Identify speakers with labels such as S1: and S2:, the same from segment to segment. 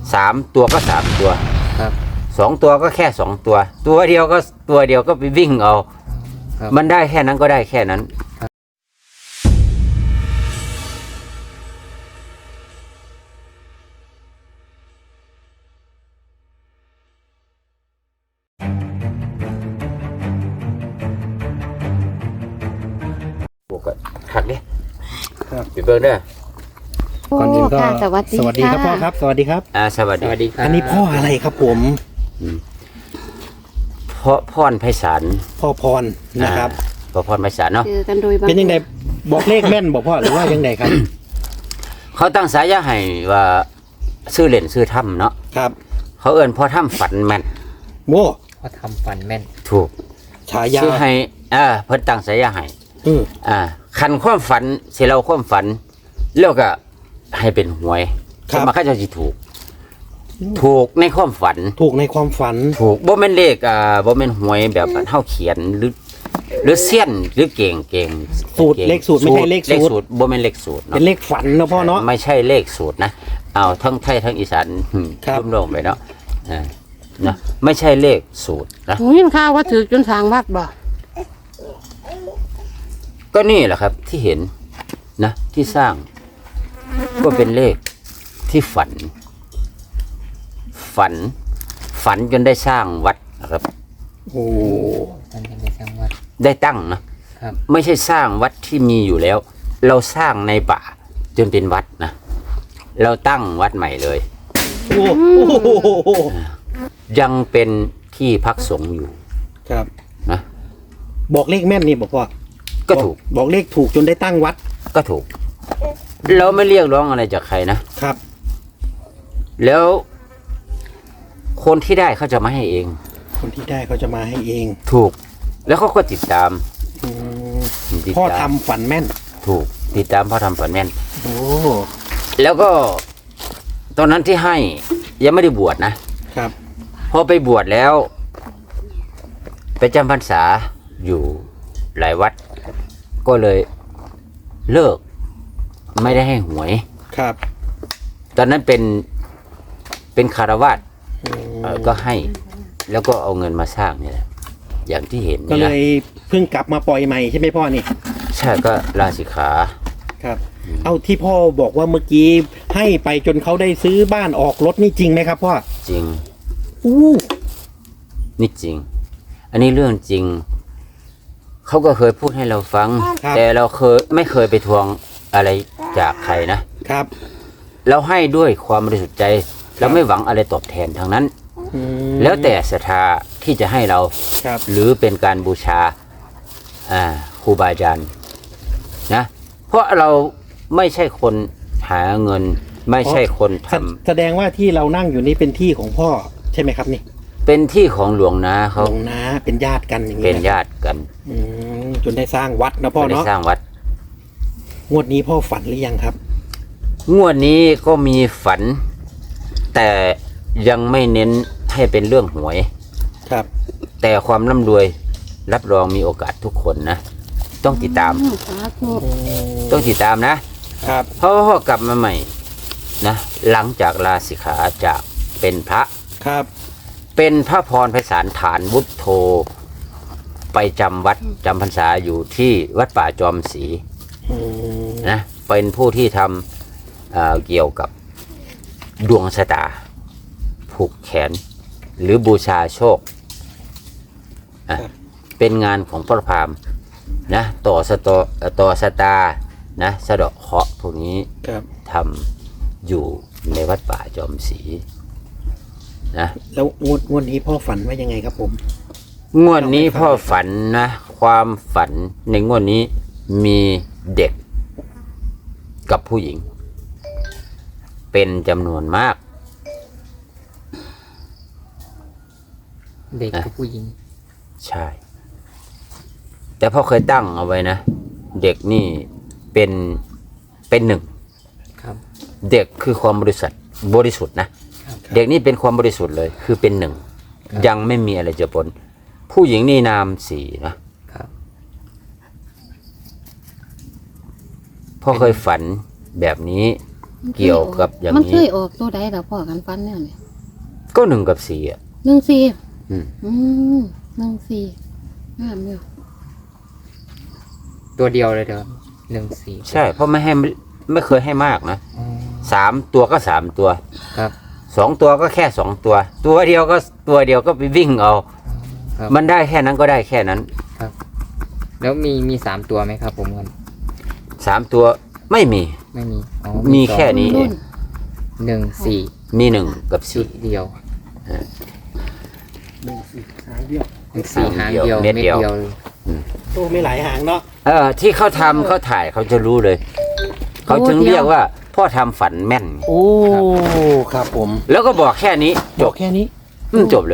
S1: 3 ตัวก็3 ตัว
S2: ครับ
S1: 2 ตัวก็แค่2 ตัวตัวเดียวก็ไปวิ่งเอามันได้แค่นั้นก็ได้แค่นั้นหักดิปิดเบิ้งได้
S2: ก่อนอื่นก็
S3: สวัสดี
S2: ครับพ่อครับสวัสดีครับ
S1: สวัสดีครับ
S2: อันนี้พ่ออะไรครับผม
S1: พรไพศาล
S2: พ่อพรนะครับ
S1: พ่อพรไพศาลเนาะ
S2: เป็นยังไงบอกเลขแม่นบอกพ่อหรือว่ายังไงครับ
S1: เขาตั้งสายาให้ว่าชื่อเล่นชื่อถ้ำเนาะ
S2: ครับ
S1: เขาเอิ้นพ่อถ้ำฝันแม่น
S2: โว้
S3: พ่อทำฝันแม่น
S1: ถูก
S2: ฉายา
S1: ชื่อให้เพิ่นตั้งสายาให้คันความฝันสิเราความฝันแล้วก็ให้เป็นหวยมาเขาจะสิถูกในความฝัน
S2: ถูกในความฝัน
S1: ถูกบ่แม่นเลขบ่แม่นหวยแบบเฮาเขียนหรือเสี้ยนหรือเก่ง
S2: สูตรเลขสูตรไม่ใช่เลขสูตร
S1: บ่แม่นเลขสูตรเนาะ
S2: เป็นเลขฝันเนาะพ่อเนาะ
S1: ไม่ใช่เลขสูตรนะเอาทั้งไทยทั้งอีสานร่วมลงไปเนาะนะไม่ใช่เลขสูตรนะ
S3: ยินข่าวว่าถือจนสร้างวัดบ่
S1: ก็นี่แหละครับที่เห็นนะที่สร้างก็เป็นเลขที่ฝันจนได้สร้างวัดนะครับ
S2: โอ้
S3: ได้สร้างวัด
S1: ได้ตั้งนะครับไม่ใช่สร้างวัดที่มีอยู่แล้วเราสร้างในป่าจนเป็นวัดนะเราตั้งวัดใหม่เลย
S2: โอ้
S1: ยังเป็นที่พักสงฆ์อยู่
S2: ครับ
S1: นะ
S2: บอกเลขแม่นนี่บอกพ่อ
S1: ก็ถูก
S2: บอกเลขถูกจนได้ตั้งวัด
S1: ก็ถูกเราไม่เรียกร้องอะไรจากใครนะครับแล้วคนที่ได้เขาจะมาให้เอง
S2: คนที่ได้เขาจะมาให้เอง
S1: ถูกแล้วเขาก็ติดตาม
S2: พ่อทำฝันแม่น
S1: ถูกติดตามพ่อทำฝันแม่น
S2: โอ้
S1: แล้วก็ตอนนั้นที่ให้ยังไม่ได้บวชนะครับพอไปบวชแล้วไปจำพรรษาอยู่หลายวัดก็เลยเลิกไม่ได้ให้หวย
S2: ครับ
S1: ตอนนั้นเป็นคารวาสก็ให้แล้วก็เอาเงินมาสร้างนี่แหละอย่างที่เห็น
S2: ก็เลยเพิ่งกลับมาปล่อยใหม่ใช่ไหมพ่อนี่
S1: ใช่ก็ลาสิกขา
S2: ครับเอาที่พ่อบอกว่าเมื่อกี้ให้ไปจนเขาได้ซื้อบ้านออกรถนี่จริงไหมครับพ่อ
S1: จริงนี่จริงอันนี้เรื่องจริงเขาก็เคยพูดให้เราฟังแต่เราไม่เคยไปทวงอะไรจากใครนะครับเราให้ด้วยความบริสุทธิ์ใจเราไม่หวังอะไรตอบแทนทางนั้นแล้วแต่ศรัทธาที่จะให้เราหรือเป็นการบูชาครูบาอาจารย์นะเพราะเราไม่ใช่คนหาเงินไม่ใช่คนทำ
S2: แสดงว่าที่เรานั่งอยู่นี้เป็นที่ของพ่อใช่ไหมครับนี่
S1: เป็นที่ของหลวงนาเขา
S2: หลวงนาเป็นญาติกันอย่างนี้
S1: เป็นญาติกัน
S2: จนได้สร้างวัดนะพ่อเนาะ
S1: ได้สร้างวัด
S2: งวดนี้พ่อฝันหรือยังครับ
S1: งวดนี้ก็มีฝันแต่ยังไม่เน้นให้เป็นเรื่องหวย
S2: ครับ
S1: แต่ความร่ำรวยรับรองมีโอกาสทุกคนนะต้องติดตามนะครับเพราะพ่อกลับมาใหม่นะหลังจากลาสิกขาจากเป็นพระ
S2: ครับ
S1: เป็นพระพรไพศาลฐานวุฒโธไปจำวัดจำพรรษาอยู่ที่วัดป่าจอมศรีนะเป็นผู้ที่ทำเกี่ยวกับดวงชะตาผูกแขนหรือบูชาโชคเป็นงานของพระพราหมณ์นะต่อชะตานะสะเดาะเคราะห์พวกนี้ทำอยู่ในวัดป่าจอมศรีนะ
S2: แล้วงวดนี้พ่อฝันว่ายังไงครับผม
S1: งวดนี้พ่อฝันนะความฝันในงวดนี้มีเด็กกับผู้หญิงเป็นจำนวนมาก
S3: เด็กกับผู้หญิง
S1: ใช่แต่พ่อเคยตั้งเอาไว้นะเด็กนี่เป็นหนึ่งเด็กคือความบริสุทธิ์นะเด็กนี่เป็นความบริสุทธิ์เลยคือเป็นหนึ่งยังไม่มีอะไรจะปนผู้หญิงนี่นามสี่นะพ่อเคยฝันแบบนี้เกี่ยวกับอย่าง
S4: มันเค
S1: นี้
S4: ยออกตัวใดแล้วพ่อกันฟันเนี่ย
S1: ก็1 กับ 4อ่ะ
S4: 14
S1: อืม
S4: 14งามอยู่
S3: ตัวเดียวเลยเด้อ14
S1: ใช่เพราะไม่เคยให้มากนะ
S3: อ๋อ
S1: 3 ตัวก็ 3 ตัว
S3: ครับ
S1: 2 ตัวก็แค่ 2 ตัว ตัวเดียวก็ไปวิ่งเอา
S3: ครับ
S1: มันได้แค่นั้นก็ได้แค่นั้น
S3: แล้วมี3ตัวไหมครับผมกัน
S1: 3 ตัวไม่มี
S3: ไม่มีอ๋อ
S1: มีแค่นี้เอง
S3: 14
S1: มี1 กับ
S3: ชุดเดียว
S2: หางเดียว
S3: 14หางเดียว
S1: เม็ดเดียว
S3: เลย
S2: โอ้ไม่หลายหางเนาะ
S1: ที่เขาทำเขาถ่ายเขาจะรู้เลย เขาถึงเรียกว่าพ่อทำฝันแม่น
S2: โอ้ครับผม
S1: แล้วก็บอกแค่นี้จ
S2: บอก
S1: บ
S2: แค่นี้
S1: จบเลย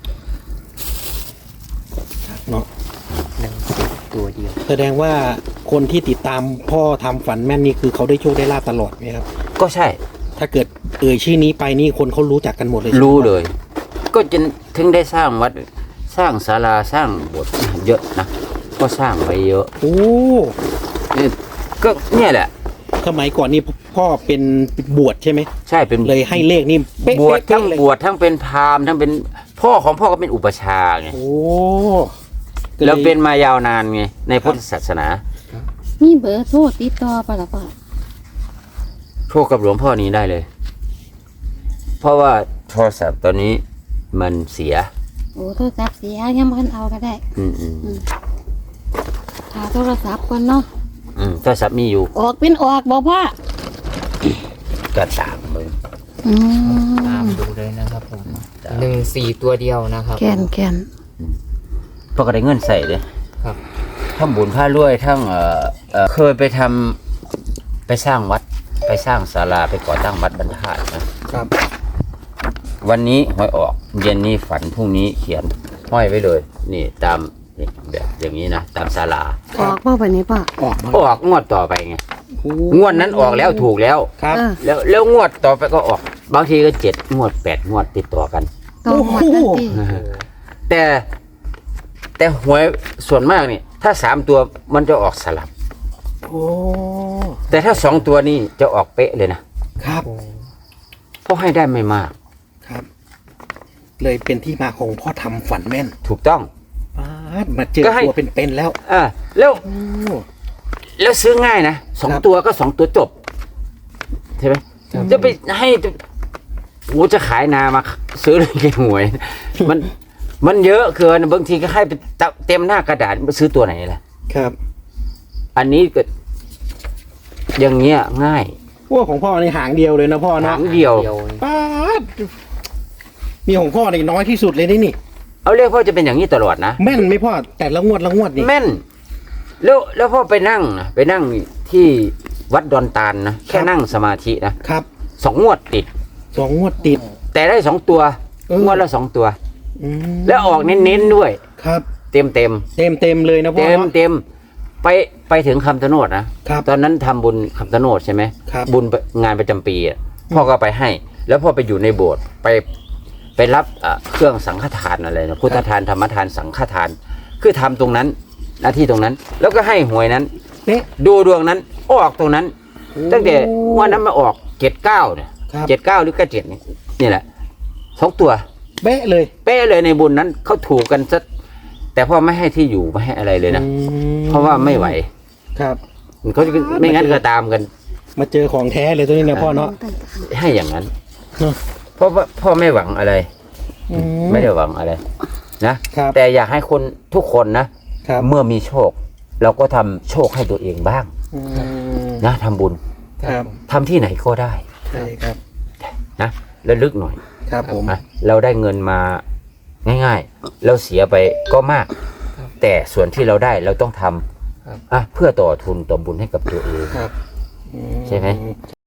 S2: เนาะ
S3: 14ตัวเดียว
S2: แสดงว่าคนที่ติดตามพ่อทำฝันแม่นนี่คือเขาได้โชคได้ลาบตลอดไหมครับ
S1: ก็ใช่
S2: ถ้าเกิดชื่อนี้ไปนี่คนเขารู้จักกันหมดเลยใช่ไหม
S1: รู้เลย ก็จนถึงได้สร้างวัดสร้างศาลาสร้างโบสถ์เยอะนะก็สร้างไว้เยอะ
S2: โอ้
S1: ก็เนี่ยแหละ
S2: สมัยก่อนนี่พ่อเป็นบวชใช่ไหม
S1: ใช่เป็น
S2: เลยให้เลขนี่เป๊ะ
S1: บวชทั้ง
S2: เลย
S1: บวชทั้งเป็นพราหมณ์ทั้งเป็นพ่อของพ่อก็เป็นอุปชฌาย์ไง
S2: โอ้
S1: แล้วเป็นมายาวนานไงในพุทธศาสนา
S4: มีเบอร์โทรติดต่อปะล่ะพ่อ
S1: โทรกับหลวงพ่อนี้ได้เลย เพราะว่าโทรศัพท์ตอนนี้มันเสีย
S4: โอ้โทรศัพท์เสียยังบ่ทันเอาก็ได้
S1: อืม
S4: หาโทรศัพท์ก่อนเนาะ
S1: โทรศัพท์มีอยู่
S4: ออกเป็นออกบ่พ่อ
S1: ก็ตามมึง
S4: อืม
S3: ตามดูเลยนะครับผม14ตัวเดียวนะครับ
S4: แก่น
S1: พ่อก็ได้เงินใส่เลย
S3: ครับ
S1: ทั้งบุญผ้ารวยทั้งเคยไปไปสร้างวัด ไปสร้างศาลาไปก่อตั้งวัดบรรทัดนะครับ วันนี้หวยออก เย็นนี้ฝันพรุ่งนี้เขียนห้อยไว้เลย นี่ตามนี่แบบอย่างนี้นะตามศาลา
S4: ออกบ่วันนี้พ่อ
S2: ออกมา
S1: ออกงวดต่อไปไง
S2: โอ้
S1: งวดนั้นออกแล้วถูกแล้ว
S2: ครับ
S1: แล้วงวดต่อไปก็ออก บางทีก็7 งวด 8 งวดติดต่อกัน
S4: ต้องหมดทันที
S1: แต่หวยส่วนมากนี่ถ้า3 ตัวมันจะออกสลับ
S2: โอ้
S1: แต่ถ้า2 ตัวนี่จะออกเป๊ะเลยนะครับ เพราะให้ได้ไม่มาก
S2: ครับ เลยเป็นที่มาของพ่อทำฝันแม่น
S1: ถูกต้อง
S2: ป๊าดมาเจอ
S1: ก็ให้
S2: ตัวเป็นๆแล้ว
S1: แล้ว
S2: โอ้
S1: แล้วซื้อง่ายนะสอง
S2: ครับ
S1: ตัวก็2 ตัวจบใช่ไหมจะไปให้โอ้จะขายนามาซื้อเลยกี่หวย มันเยอะเกินบางทีก็ให้ไปเต็มหน้ากระดาษมาซื้อตัวไหนล่ะ
S2: ครับ
S1: อันนี้ก็อย่างเงี้ยง่าย
S2: พวกของพ่อในหางเดียวเลยนะพ่อ
S1: หา
S2: เนาะ
S1: งเดียว
S2: ป๊าดมีของพ่อในน้อยที่สุดเลยนี่
S1: เอาเรียกพ่อจะเป็นอย่างนี้ตลอดนะ
S2: แม่นไหมพ่อแต่ละงวดนี่
S1: แม่นแล้วพ่อไปนั่งที่วัดดอนตาลนะแค่นั่งสมาธินะครับ 2 งวดติด
S2: 2 งวดติด
S1: แต่ได้2 ตัว งวดละ2 ตัว
S2: อืม
S1: แล้วออกเน้นๆด้วย
S2: ครับ
S1: เต็ม
S2: เต็มเลยนะพ่อ
S1: เต็มไปถึงคำชะโนดนะครับ ตอนนั้นทำบุญคำชะโนดใช่ไหม
S2: ครับ
S1: บุญงานประจำปีอะพ่อก็ไปให้ แล้วพ่อไปอยู่ในโบสถ์ไปรับเครื่องสังฆทานอะไรนะพุทธทานธรรมทานสังฆทาน คือทำตรงนั้นหน้าที่ตรงนั้น แล้วก็ให้หวยนั้น
S2: เนี่ย
S1: ดูดวงนั้นออกตรงนั้น ตั้งแต่วันนั้นมาออก79เนี่ย
S2: ครับ
S1: 79หรือ97นี่แหละ2 ตัว
S2: เป๊ะเลย
S1: เป๊ะเลยในบุญนั้นเขาถูกกันซะแต่พ่อไม่ให้ที่อยู่ไม่ให้อะไรเลยนะ
S2: อืม
S1: เพราะว่าไม่ไหว
S2: ครับ
S1: เขาจะไม่งั้นก็ตามกัน
S2: มาเจอของแท้เลยตัวนี้นะพ่อเนาะ
S1: ให้อย่างนั้น
S2: เนอะ
S1: เพราะว่าพ่อไม่หวังอะไร
S2: อื
S1: ไม่ได้หวังอะไรนะครับ แต่อยากให้คนทุกคนนะครับ เมื่อมีโชค เราก็ทำโชคให้ตัวเองบ้าง
S2: อืม
S1: นะทำบุญ
S2: ครับ
S1: ทำที่ไหนก็ได้
S2: ใช่ครับ
S1: นะระลึกหน่อย
S2: ครับผม
S1: นะเราได้เงินมาง่ายๆ เราเสียไปก็มาก แต่ส่วนที่เราได้เราต้องทำเพื่อต่อทุนต่อบุญให้กับตัวเอง
S2: ครับ
S1: ใช่ไหม